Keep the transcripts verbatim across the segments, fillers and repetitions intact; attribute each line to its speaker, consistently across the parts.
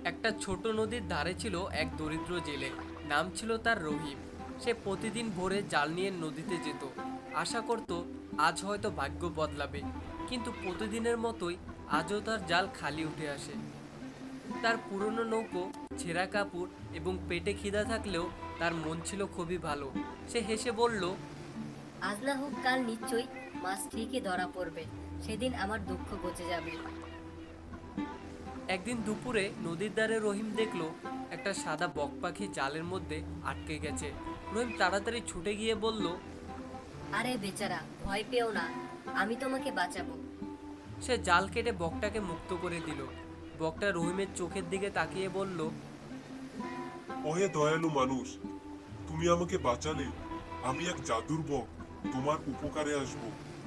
Speaker 1: একটা ছোট নদীর ধারে ছিল এক দরিদ্র জেলে। নাম ছিল তার রহিম। সে প্রতিদিন ভোরে জাল নিয়ে নদীতে যেত। আশা করত আজ হয়তো ভাগ্য বদলাবে, কিন্তু প্রতিদিনের মতোই আজও তার জাল খালি উঠে আসে। তার পুরনো নৌকো, ছেঁড়া কাপড় এবং পেটে খিদা থাকলেও তার মন ছিল খুবই ভালো। সে হেসে বলল,
Speaker 2: আজ না হোক কাল নিশ্চয়ই মাছ ঠিকই ধরা পড়বে। সেদিন আমার দুঃখ ঘুচে যাবে।
Speaker 1: একদিন দুপুরে নদীর ধারে রহিম দেখলো একটা সাদা বক পাখি জালের মধ্যে আটকে গেছে। রহিম তাড়াতাড়ি ছুটে গিয়ে বলল,
Speaker 2: আরে বেচারা, ভয় পেও না, আমি তোমাকে বাঁচাবো।
Speaker 1: সে জাল কেটে বকটাকে মুক্ত করে দিল। বকটা রহিমের চোখের দিকে তাকিয়ে বলল,
Speaker 3: ওহে দয়ালু মানুষ, তুমি আমাকে বাঁচালে। আমি এক জাদুর বক, তোমার উপকারে আসব।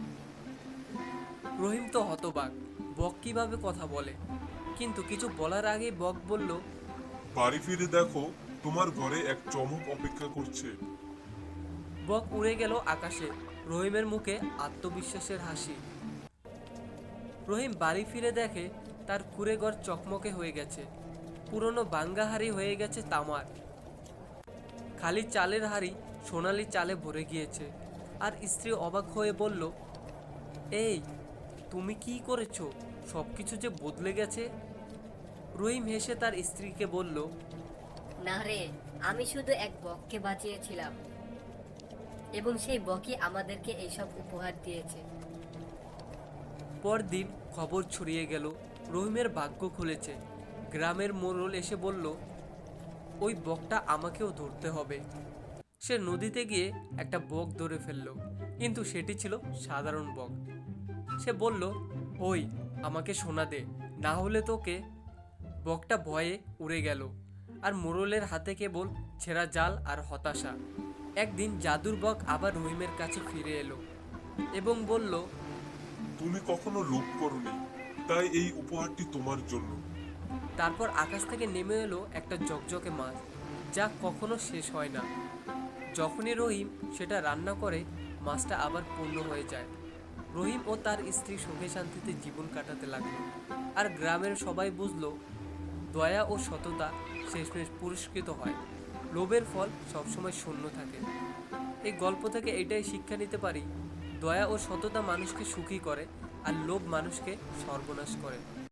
Speaker 1: রহিম তো হতবাক, বক কিভাবে কথা বলে। কিন্তু কিছু বলার আগেই বক বলল,
Speaker 3: বাড়ি ফিরে দেখো, তোমার ঘরে এক চমক অপেক্ষা করছে।
Speaker 1: বক উড়ে গেল আকাশে। রহিমের মুখে আত্মবিশ্বাসের হাসি। রহিম বাড়ি ফিরে দেখে তার কুঁড়ে ঘর চকমকে হয়ে গেছে। পুরনো বাঙ্গা হাড়ি হয়ে গেছে তামার। খালি চালের হাড়ি সোনালি চালে ভরে গিয়েছে। আর স্ত্রী অবাক হয়ে বলল, এই, তুমি কি করেছো? সবকিছু যে বদলে গেছে। রহিম হেসে তার স্ত্রীকে বলল,
Speaker 2: না রে, আমি শুধু এক বককে বাঁচিয়েছিলাম, এবং সেই বকই আমাদেরকে এইসব উপহার দিয়েছে।
Speaker 1: পরদিন খবর ছড়িয়ে গেল, রহিমের ভাগ্য খুলেছে। গ্রামের মোড়ল এসে বলল, ওই বকটা আমাকেও ধরতে হবে। সে নদীতে গিয়ে একটা বক ধরে ফেলল, কিন্তু সেটি ছিল সাধারণ বক। সে বলল, ওই, আমাকে সোনা দে, না হলে তোকে। বকটা ভয়ে উড়ে গেল, আর মোড়লের হাতে কেবল ছেঁড়া জাল আর হতাশা। একদিন জাদুর বক আবার রহিমের কাছে ফিরে এলো এবং বলল,
Speaker 3: তুমি কখনো লোভ করনি, তাই এই উপহারটি তোমার জন্য।
Speaker 1: তারপর আকাশ থেকে নেমে এলো একটা জকজকে মাছ, যা কখনো শেষ হয় না। যখনই রহিম সেটা রান্না করে, মাছটা আবার পূর্ণ হয়ে যায়। রহিম ও তার স্ত্রী সুখে শান্তিতে জীবন কাটাতে লাগলো। আর গ্রামের সবাই বুঝলো, দয়া ও সততা শেষমেশ পুরস্কৃত হয়। লোভের ফল সবসময় শূন্য থাকে। এই গল্প থেকে এটাই শিক্ষা নিতে পারি, দয়া ও সততা মানুষকে সুখী করে, আর লোভ মানুষকে সর্বনাশ করে।